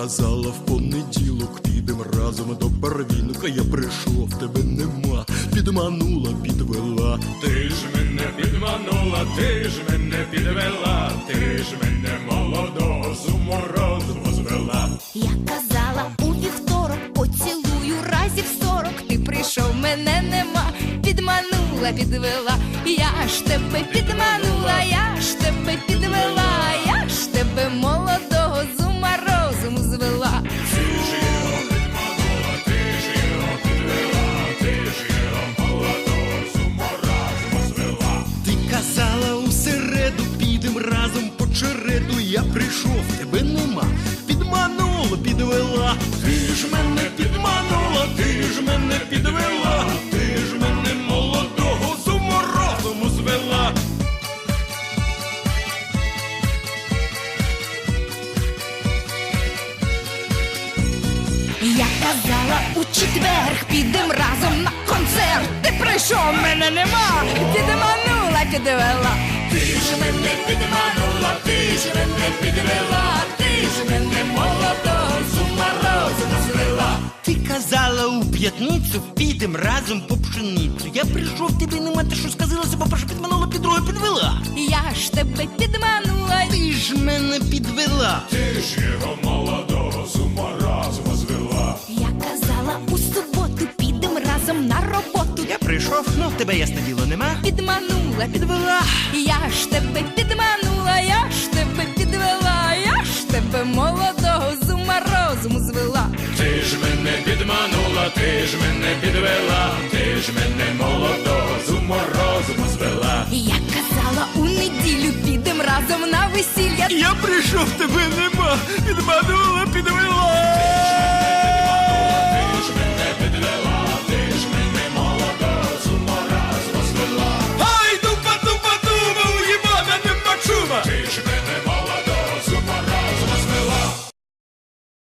казала, в понеділок підем разом до Барвінка. Я прийшов, тебе нема, підманула, підвела. Ти ж мене підманула, ти ж мене підвела, ти ж мене молодого з уму розуму звела. Я казала, у вівторок поцілую разів 40. Ти прийшов, мене нема, підманула, підвела. Я ж тебе підманула, я ж тебе підвела, я ж тебе молодого з ума розуму звела. Ти ж його підманула, ти ж його підвела, ти ж його молодого з уму розуму звела. Ти казала, у середу підем разом по череду. Я прийшов, тебе нема, підманула, підвела. Ти ж мене підманула, ти ж мене підвела, ти ж мене молодого з уму розуму звела. Я казала, у четвер підем разом на концерт. Ти прийшов, мене нема, підманула, підвела. Ти ж мене підманула, ти ж мене підвела, ти ж мене молодого з ума розуму звела. Ти казала, у п'ятницю підем разом по пшеницю. Я прийшов, тебе нема, ти що сказилася, по-перше, підманула, по-друге, підвела. Я ж тебе підманула. Ти ж мене підвела. Ти ж його молодого з ума розуму звела. Я казала, у суботу підем разом на роботу. Я прийшов, ну тебе ясне діло нема. Підманула, підвела. Я ж тебе підманула, я ж тебе підвела, я ж тебе молодого з ума розуму звела. Ти ж мене підманула, ти ж мене підвела, ти ж мене молодого з уму розуму звела. Я казала, у неділю підем разом на весілля. Я прийшов, тебе нема, підманула.